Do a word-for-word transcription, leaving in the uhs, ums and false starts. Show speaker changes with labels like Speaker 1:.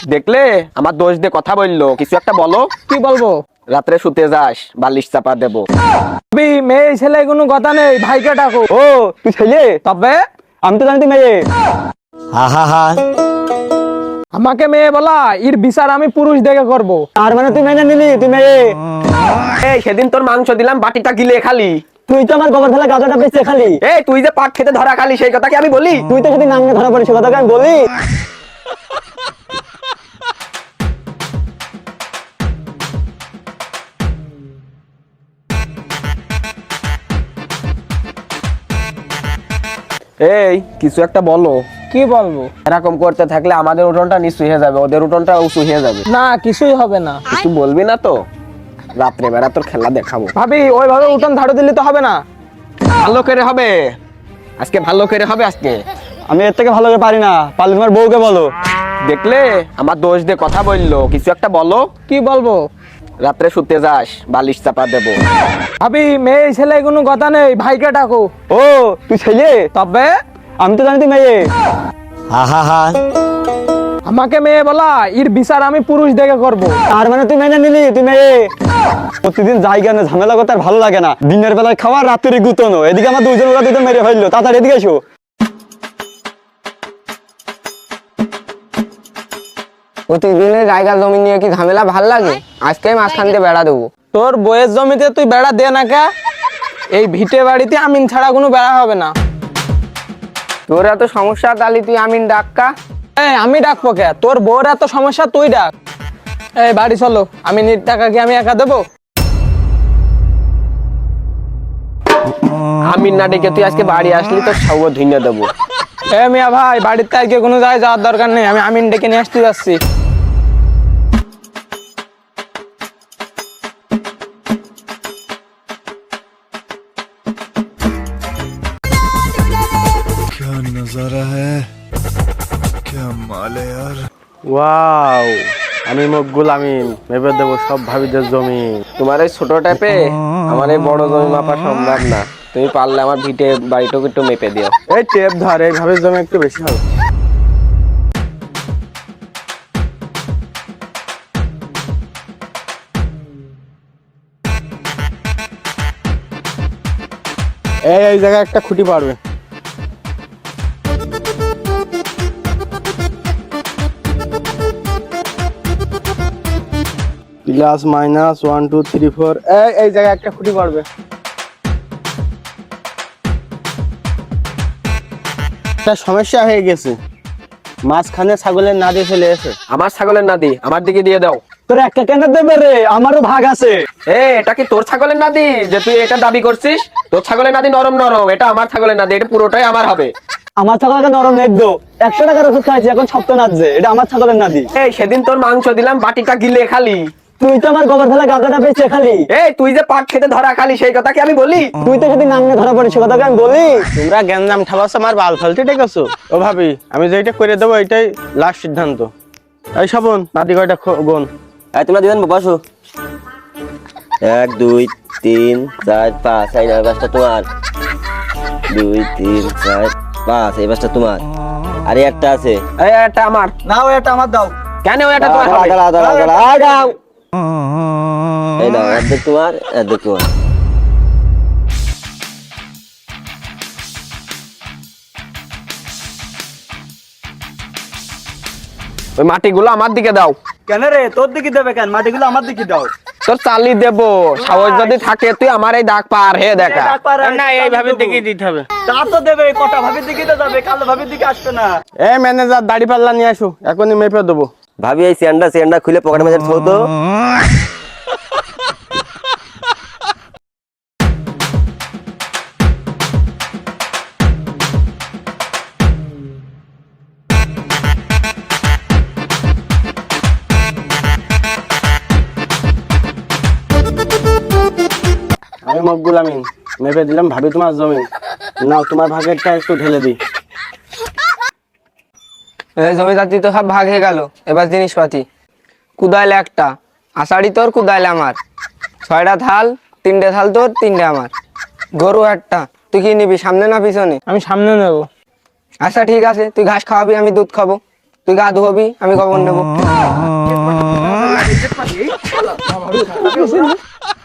Speaker 1: দেখলে আমার দোষ দিয়ে কথা বললো, কিছু একটা বলো।
Speaker 2: কি বলবো?
Speaker 1: রাত্রে শুতে যাস, বালিশ চাপা দেবো।
Speaker 2: ভাবি মেয়ে ছেলে কোনো কথা নেই, ভাইকে ডাকো।
Speaker 3: ও তুই ছেলে?
Speaker 2: তবে
Speaker 3: আমি তো জানি মেয়ে। হা হা হা।
Speaker 2: আমাকে মেয়ে বলা, এর বিচার আমি পুরুষ দেখে করব।
Speaker 3: তার মানে তুই মেনে নিলি তুই মেয়ে?
Speaker 1: এই সেদিন তোর মাংস দিলাম, বাটিটা গিলে খালি।
Speaker 3: তুই তো আমার গোবর ফেলা গাঁজাটা বেঁচে খালি।
Speaker 1: এই তুই যে পাট খেতে ধরা খালি, সেই কথা কি আমি বলি?
Speaker 3: তুই তো যদি নাঙ্গে ধরা পড়িস, সে কথা কি আমি বলি?
Speaker 1: এই কিছু একটা বলো।
Speaker 2: কি বলবো?
Speaker 1: এরকম করতে থাকলে আমাদের উঠোনটা নিচু হয়ে যাবে, ওদের উঠোনটা উঁচু হয়ে যাবে।
Speaker 2: না কিছুই হবে না।
Speaker 1: কিছু বলবি না তো? রাত্রে বেলা তোর খেলা দেখাবো।
Speaker 2: ভাবি ওইভাবে উঠোন ঝাড়ু দিলে তো হবে না।
Speaker 1: ভালো করে হবে আজকে, ভালো করে হবে আজকে।
Speaker 3: আমি এর থেকে ভালো করে পারি না, পারলে তোমার বউকে বলো।
Speaker 1: দেখলে আমার দোষ দিয়ে কথা বললো, কিছু একটা বলো।
Speaker 2: কি বলবো?
Speaker 1: রাত্রে শুতে যাস, বালিশ চাপা দেবো।
Speaker 2: ভাবি মেয়ে ছেলে কোনো কথা নেই, ভাইকে ডাকো।
Speaker 3: ও তুই ছেলে?
Speaker 2: তবে
Speaker 3: আমি তো জানি তুই মেয়ে। হা হা হা।
Speaker 2: আমাকে মেয়ে বলা, এর বিচার আমি পুরুষ দেখে করব।
Speaker 3: তার মানে তুই মেনে নিলি তুই মেয়ে? প্রতিদিন জায়গা না ঝামেলা করতে আর ভালো লাগে না। দিনের বেলায় খাওয়া, রাত্রে গুতনো। এদিকে আমার দুইজন ওরা দুজন মেরে ফেললো। তাড়াতাড়ি এদিকে এসো।
Speaker 4: প্রতিদিনের জায়গা জমি নিয়ে কি ঝামেলা ভাল লাগে? আজকে মাঝখান দিয়ে বেড়া দেবো।
Speaker 2: তোর বইয়ের জমিতে তুই বেড়া দে না কে? এই ভিটে বাড়িতে আমিন ছাড়া কোনো বেড়া হবে না।
Speaker 4: তোর এত সমস্যা, তাহলে তুই আমিন ডাক্কা।
Speaker 2: এই আমি ডাকবো কে? তোর বউর এত সমস্যা, তুই ডাক। এই বাড়ি চলো, আমি নির টাকা কি আমি একা দেবো?
Speaker 1: আমি না ডেকে তুই আজকে বাড়ি আসলি, তোর সব ধুইনা দেবো।
Speaker 2: এ মিয়া ভাই, বাড়িতে আজকে কোনো জায়গায় যাওয়ার দরকার নেই, আমি আমিন ডেকে নিয়ে আসতে যাচ্ছি।
Speaker 5: क्या नजारा है, क्या माल है यार।
Speaker 1: ওয়াও, আমি মকবুল আমিন মেপে দেবো সব ভাবিদের জমি। তোমার এই ছোট টাইপে আমার এই বড় জমি মাপা সম্ভব না। তুমি পারলে আমার ভিটে বাড়িটাকে একটু মেপে দিও। এই টেপ ধর, এই ভাবির জমি একটু বেশি হবে। এই এই জায়গায় একটা খুঁটি পারবে। Plus minus one two three four, এই এই জায়গায় একটা খুঁটি পড়বে। একটা সমস্যা হয়ে গেছে, মাঝখানে ছাগলের নাদি ফেলে এসে। আমার ছাগলের নাদি আমার দিকে দিয়ে দাও।
Speaker 3: তোর একটা কেন দেবে রে? আমারও ভাগ আছে।
Speaker 1: এ এটা কি তোর ছাগলের নাদি যে তুই এটা দাবি করছিস? তোর ছাগলের নাদি নরম নরম, এটা আমার ছাগলের নাদি, এটা পুরোটাই আমার হবে।
Speaker 3: আমার ছাগলকে নরম নেট দো। একশো টাকার ওষুধ খাইছি, এখন সপ্ত নাচছে। এটা আমার ছাগলের নাদি।
Speaker 1: এই সেদিন তোর মাংস দিলাম, বাটিটা গিলে খালি।
Speaker 3: তুই তো আমার গোবর ফেলা গাঁজাটা বেঁচে খালি।
Speaker 1: এই তুই যে পাট খেতে ধরা খালি, সেই কথা কি আমি বলি?
Speaker 3: তুই তো যদি নাঙ্গে ধরা পড়িস, সে কথা কি আমি বলি?
Speaker 1: তোমরা গ্যাঞ্জাম ঠাবাস আমার বাল ফালতে ডেকেছো। ও ভাবি, আমি যেটা করে দেবো এটাই লাস্ট সিদ্ধান্ত। এই শাবন, নাদি কয়টা গোন।
Speaker 6: এই তোমরা দিবেন বসো। এক দুই তিন চার পাঁচ, এই না বাসটা তোমার। দুই তিন চার পাঁচ, এই বাসটা তোমার। আরে একটা আছে।
Speaker 1: এই এটা আমার।
Speaker 3: না ওই একটা আমার দাও।
Speaker 1: কেন এটা তোমার
Speaker 6: দাঁড়া,
Speaker 1: হবে?
Speaker 6: দাঁড়া, দাঁড়া, দাঁড়া, আয় দাও। এই নাও, অর্ধেক তোমার, অর্ধেক তোমার।
Speaker 1: ওই মাটিগুলো আমার দিকে দাও।
Speaker 3: কেন রে? তোর দিকে দেবে কেন? মাটিগুলো আমার দিকে দাও।
Speaker 1: তোর চালি দেবো, সাহস যদি থাকে তুই আমার এই দাগ পার হে দেখা।
Speaker 3: না এইভাবে দিকে দিতে হবে। তা তো দেবে, কটা ভাবির দিকে তো যাবে, কালো ভাবির দিকে আসবে না।
Speaker 1: এ ম্যানেজার, দাড়ি পাল্লা নিয়ে আসো, এখনই মেপে দেবো।
Speaker 6: ভাবি এই চেয়ারটা চেয়ারটা খুলে পকেটে মেজার থো তো।
Speaker 1: আমি মকবুল আমিন মেপে দিলাম ভাবি তোমার জমি। নাও তোমার ভাগেরটা একটু ঢেলে দিই।
Speaker 4: জমি জাতি তো সব ভাগ হয়ে গেল, এবার জিনিসপাতি। কুদাইলে একটা, আষাঢ়ি তোর, কুদাইলে আমার। ছয়টা থাল, তিনটে থাল তোর, তিনটে আমার। গরু একটা, তুই কি নিবি, সামনে না পিছনে?
Speaker 2: আমি সামনে নেবো।
Speaker 4: আচ্ছা ঠিক আছে, তুই ঘাস খাওয়াবি, আমি দুধ খাবো। তুই গা ধোবি, আমি খবর নেবো।